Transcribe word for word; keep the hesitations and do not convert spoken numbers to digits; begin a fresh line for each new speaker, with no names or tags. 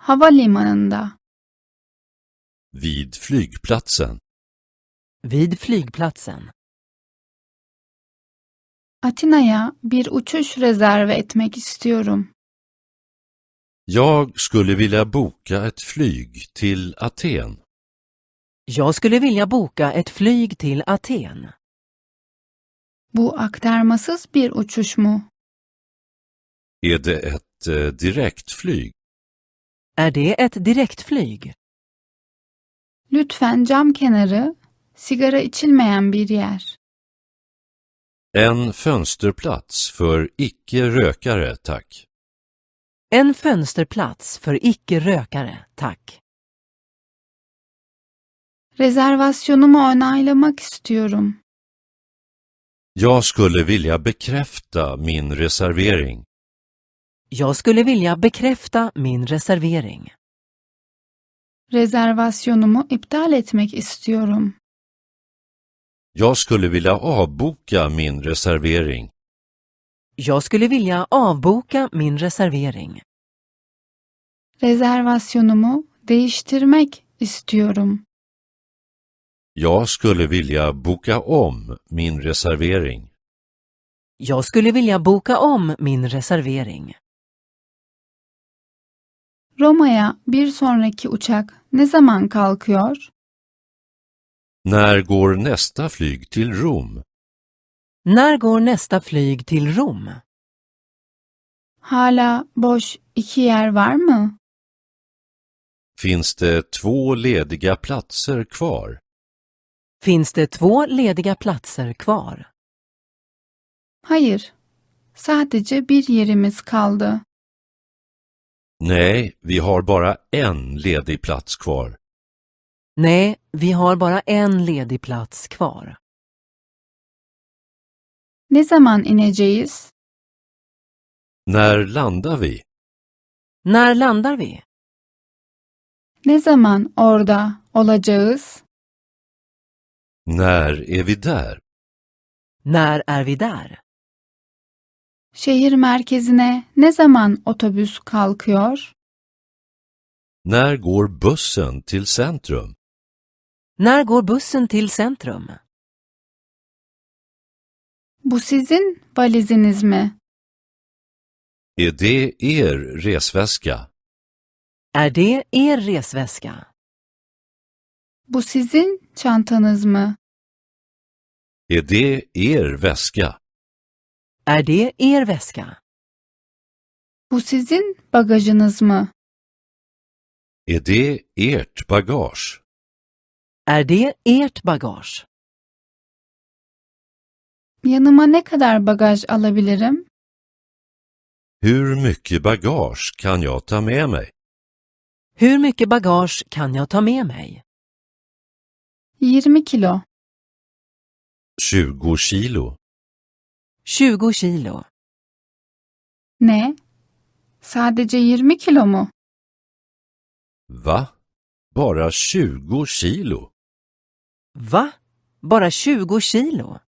Havalimanında.
Vid flygplatsen.
Vid flygplatsen.
Atina'ya bir uçuş rezerve etmek istiyorum.
Jag skulle vilja boka ett flyg till Aten.
Jag skulle vilja boka ett flyg till Aten.
Bu aktarmasız bir uçuş mu?
Är det ett eh, direktflyg?
Är det ett direktflyg?
Lütfen cam kenarı, sigara içilmeyen bir yer.
En fönsterplats för icke-rökare, tack.
En fönsterplats för icke-rökare, tack.
Rezervasyonumu onaylamak istiyorum.
Jag skulle vilja bekräfta min reservering.
Jag skulle vilja bekräfta min reservering.
Rezervasyonumu iptal etmek istiyorum.
Jag skulle vilja avboka min reservering.
Jag skulle vilja avboka min reservering.
Rezervasyonumu değiştirmek istiyorum.
Jag skulle vilja boka om min reservering.
Jag skulle vilja boka om min reservering.
Roma'ya bir sonraki uçak ne zaman kalkıyor?
När går nästa flyg till Rom?
När går nästa flyg till Rom?
Hala boş iki yer var mı?
Finns det två lediga platser kvar?
Finns det två lediga platser kvar?
Hayır. Sadece bir yerimiz kaldı.
Nej, vi har bara en ledig plats kvar.
Nej, vi har bara en ledig plats kvar.
Ne zaman ineceğiz?
När landar vi?
När landar vi?
Ne zaman orada olacağız?
När är vi där?
När är vi där?
Şehir merkezine ne zaman otobüs kalkıyor?
När går bussen till centrum?
När går bussen till centrum?
Bu sizin valiziniz mi?
Är det er resväska?
Är det er resväska?
Bu sizin çantanız mı?
Är det er väska?
Är det er väska?
Bu sizin bagajınız mı?
Är det ert bagage?
Är det ert bagage?
Yanıma ne kadar bagaj alabilirim?
Hur mycket bagage kan jag ta med mig?
Hur mycket bagage kan jag ta med mig?
yirmi kilo.
tjugo kilo.
tjugo kilo.
Ne? Sadece yirmi kilo mu?
Va? Bara tjugo kilo?
Va? Bara tjugo kilo?